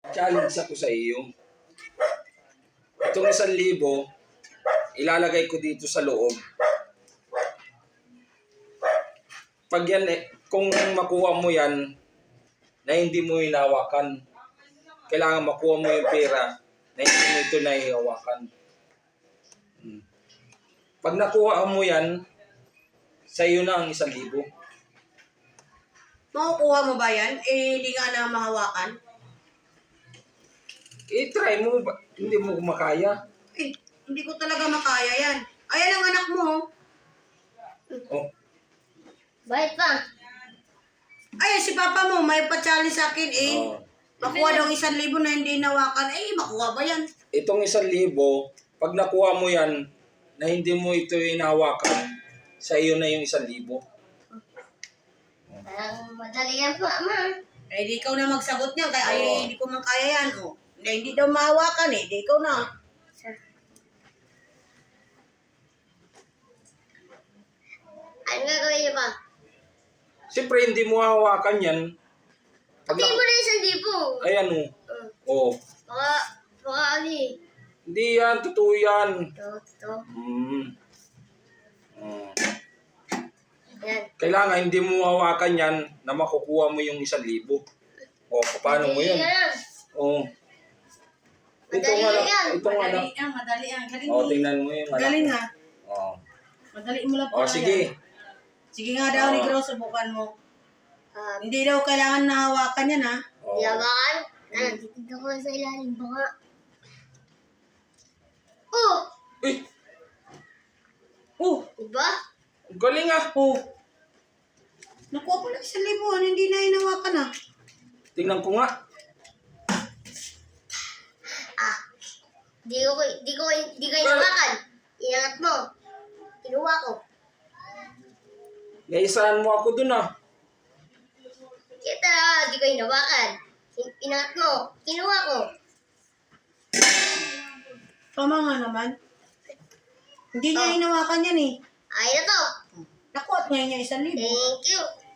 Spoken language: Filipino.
challenge ako sa iyo. Itong 1,000, ilalagay ko dito sa loob. Pag yan, kung makuha mo yan, na hindi mo hinawakan, kailangan makuha mo yung pera na hindi mo ito nahihawakan. Pag nakuha mo yan, sa iyo na ang 1,000. Makukuha mo ba yan? Eh, hindi nga na mahawakan. I-try mo, hindi mo makaya. Eh, hindi ko talaga makaya yan. Ayan ang anak mo. Oh. Bakit pa? Ayan, si papa mo, may pa-challenge sa akin eh. Oh. Makuha daw 1,000 na hindi nawakan. Eh, makuha ba yan? Itong 1,000, pag nakuha mo yan, na hindi mo ito hinawakan, sa iyo na yung 1,000. Parang madali yan po, ama. Eh, di ikaw na magsagot niya. Kaya Oo. ay, hindi ko man kaya yan. Oh. Hindi daw mahawakan eh. Di ikaw na. Ano gagawin niyo ba? Siyempre, hindi mo hawakan yan. Pati mo na 1,000. Ayan o. Oh. Baka ano eh. Hindi yan, totoo yan. Ito. Yan. Kailangan hindi mo hawakan yan na makukuha mo yung 1,000. O, paano mo yan? Madali yan. O. Ito Madali nga yan. Ito nga lang. Madali yan, madali yan. Galing O, tingnan mo yung anak Galing mo. ha. O. Madali mo lang O, sige. Sige nga daw, Oo. Negro, subukan mo. Hindi daw kailangan nahawakan yan ha. O. Yabakan. Titignan ko lang sa ilalim. Baka. Oh! Eh, Oh, Diba? ang galing ah. oh. Nakuha ko lang 1,000. Ano, hindi na hinawakan ha. Tingnan ko nga. Di ko inawakan. Inangat mo. Kinuha ko. Naisahan mo ako dun ah. Kaya talaga, di ko inawakan. Inangat mo. Kinuha ko. Tama nga naman. Hindi niya hinawakan yan eh. Ay na to. Nakuha ngayon niya 1,000. Thank you.